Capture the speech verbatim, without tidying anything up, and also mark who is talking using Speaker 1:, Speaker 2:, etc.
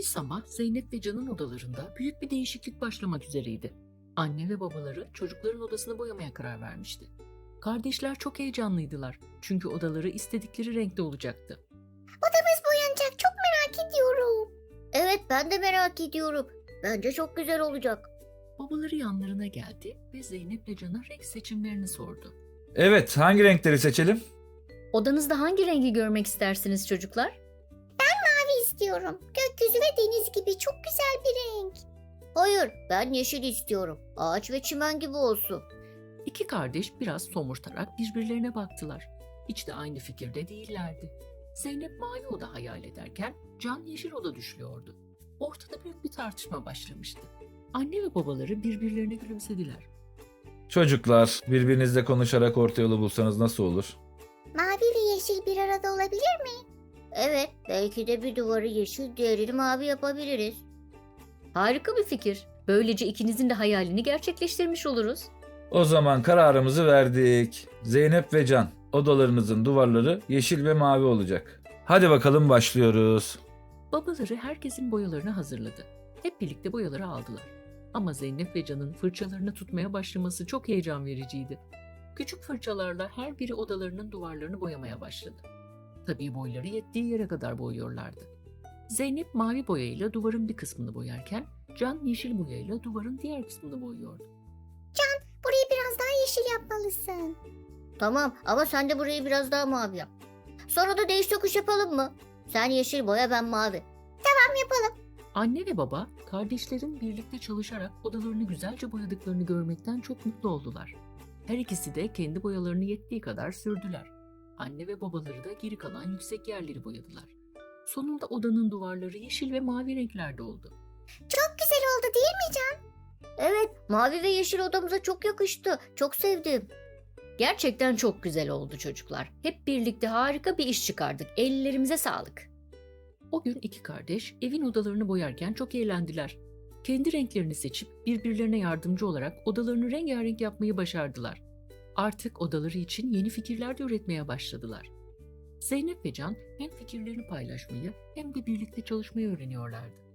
Speaker 1: Bir sabah Zeynep ve Can'ın odalarında büyük bir değişiklik başlamak üzereydi. Anne ve babaları çocukların odasını boyamaya karar vermişti. Kardeşler çok heyecanlıydılar çünkü odaları istedikleri renkte olacaktı.
Speaker 2: Odamız boyanacak. Çok merak ediyorum. Evet, ben de merak ediyorum. Bence çok güzel olacak.
Speaker 1: Babaları yanlarına geldi ve Zeynep ve Can'a renk seçimlerini sordu.
Speaker 3: Evet, hangi renkleri seçelim?
Speaker 4: Odanızda hangi rengi görmek istersiniz çocuklar?
Speaker 2: Mavi istiyorum. Gökyüzü ve deniz gibi çok güzel bir renk. Hayır, ben yeşil istiyorum. Ağaç ve çimen gibi olsun.
Speaker 1: İki kardeş biraz somurtarak birbirlerine baktılar. Hiç de aynı fikirde değillerdi. Zeynep mavi oda hayal ederken Can yeşil oda düşlüyordu. Ortada büyük bir tartışma başlamıştı. Anne ve babaları birbirlerine gülümsediler.
Speaker 3: Çocuklar, birbirinizle konuşarak orta yolu bulsanız nasıl olur?
Speaker 2: Mavi ve yeşil bir arada olabilir mi? Evet, belki de bir duvarı yeşil, diğerini mavi yapabiliriz.
Speaker 4: Harika bir fikir. Böylece ikinizin de hayalini gerçekleştirmiş oluruz.
Speaker 3: O zaman kararımızı verdik. Zeynep ve Can, odalarınızın duvarları yeşil ve mavi olacak. Hadi bakalım başlıyoruz.
Speaker 1: Babaları herkesin boyalarını hazırladı. Hep birlikte boyaları aldılar. Ama Zeynep ve Can'ın fırçalarını tutmaya başlaması çok heyecan vericiydi. Küçük fırçalarla her biri odalarının duvarlarını boyamaya başladı. Tabii boyları yettiği yere kadar boyuyorlardı. Zeynep mavi boyayla duvarın bir kısmını boyarken Can yeşil boyayla duvarın diğer kısmını boyuyordu.
Speaker 2: Burayı biraz daha yeşil yapmalısın. Tamam, ama sen de burayı biraz daha mavi yap. Sonra da değiş tokuş yapalım mı? Sen yeşil boya, ben mavi. Tamam, yapalım.
Speaker 1: Anne ve baba kardeşlerin birlikte çalışarak odalarını güzelce boyadıklarını görmekten çok mutlu oldular. Her ikisi de kendi boyalarını yettiği kadar sürdüler. Anne ve babaları da geri kalan yüksek yerleri boyadılar. Sonunda odanın duvarları yeşil ve mavi renklerde oldu.
Speaker 2: Çok güzel oldu değil mi Can? Evet, mavi ve yeşil odamıza çok yakıştı. Çok sevdim.
Speaker 4: Gerçekten çok güzel oldu çocuklar. Hep birlikte harika bir iş çıkardık. Ellerimize sağlık.
Speaker 1: O gün iki kardeş evin odalarını boyarken çok eğlendiler. Kendi renklerini seçip birbirlerine yardımcı olarak odalarını rengarenk yapmayı başardılar. Artık odaları için yeni fikirler de üretmeye başladılar. Zeynep ve Can hem fikirlerini paylaşmayı hem de birlikte çalışmayı öğreniyorlardı.